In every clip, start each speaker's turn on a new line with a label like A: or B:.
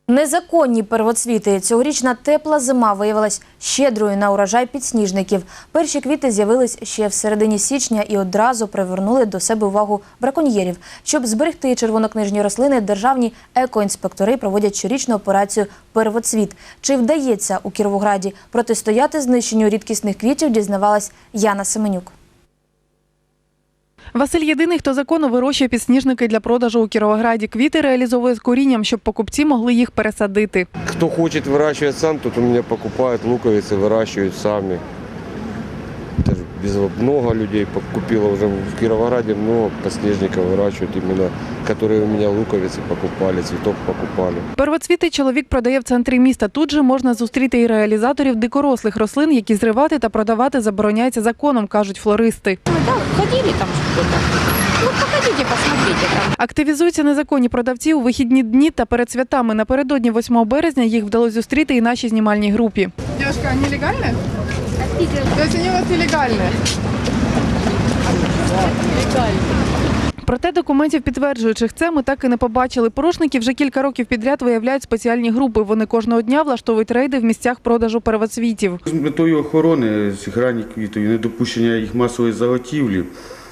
A: Незаконні первоцвіти. Цьогорічна тепла зима виявилась щедрою на урожай підсніжників. Перші квіти з'явились ще в середині січня і одразу привернули до себе увагу браконьєрів. Щоб зберегти червонокнижні рослини, державні екоінспектори проводять щорічну операцію «Первоцвіт». Чи вдається у Кіровограді протистояти знищенню рідкісних квітів, дізнавалась Яна Семенюк.
B: Василь єдиний, хто законно вирощує підсніжники для продажу у Кіровограді. Квіти реалізовує з корінням, щоб покупці могли їх пересадити.
C: Кто хочет выращивать сам, тот у меня покупает луковицы, выращивают сами. Много людей купило уже в Кировограде, много подснежников выращивают именно, которые у меня луковицы покупали, цветок покупали.
B: Первоцвіти чоловік продає в центрі міста. Тут же можна зустріти і реалізаторів дикорослих рослин, які зривати та продавати забороняється законом, кажуть флористи.
D: Да, ходили там что-то. Ну, походите, посмотрите там.
B: Активізуються незаконні продавці у вихідні дні та перед святами. Напередодні 8 березня їх вдалося зустріти і нашій знімальній групі.
E: Девушка, они легальные? То есть они у вас нелегальные?
B: Проте документів, підтверджуючих це, ми так і не побачили. Порушники вже кілька років підряд виявляють спеціальні групи. Вони кожного дня влаштовують рейди в місцях продажу первоцвітів.
F: З метою охорони цих ранніх квітів і недопущення їх масової заготівлі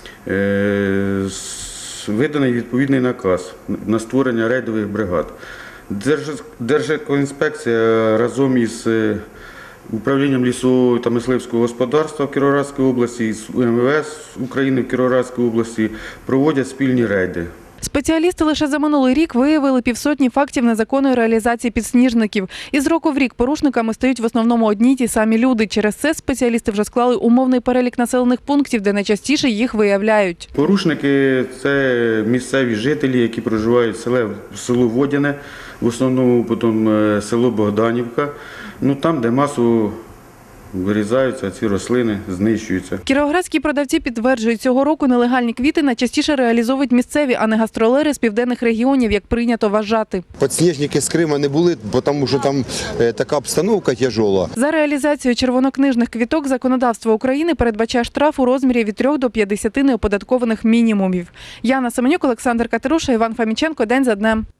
F: виданий відповідний наказ на створення рейдових бригад. Держекоінспекція разом із Управлінням лісового та мисливського господарства в Кіровоградській області і з МВС України в Кіровоградській області проводять спільні рейди.
B: Спеціалісти лише за минулий рік виявили півсотні фактів незаконної реалізації підсніжників. Із року в рік порушниками стають в основному одні й ті самі люди. Через це спеціалісти вже склали умовний перелік населених пунктів, де найчастіше їх виявляють.
F: Порушники – це місцеві жителі, які проживають в село Водяне, в основному потім село Богданівка, там, де масово вирізаються ці рослини, знищуються.
B: Кіровоградські продавці підтверджують, цього року нелегальні квіти найчастіше реалізовують місцеві, а не гастролери з південних регіонів, як прийнято вважати.
G: Підсніжники з Криму не були, тому що там така обстановка тяжела.
B: За реалізацію червонокнижних квіток законодавство України передбачає штраф у розмірі від 3 до 50 неоподаткованих мінімумів. Яна Семенюк, Олександр Катеруша, Іван Фоміченко. День за днем.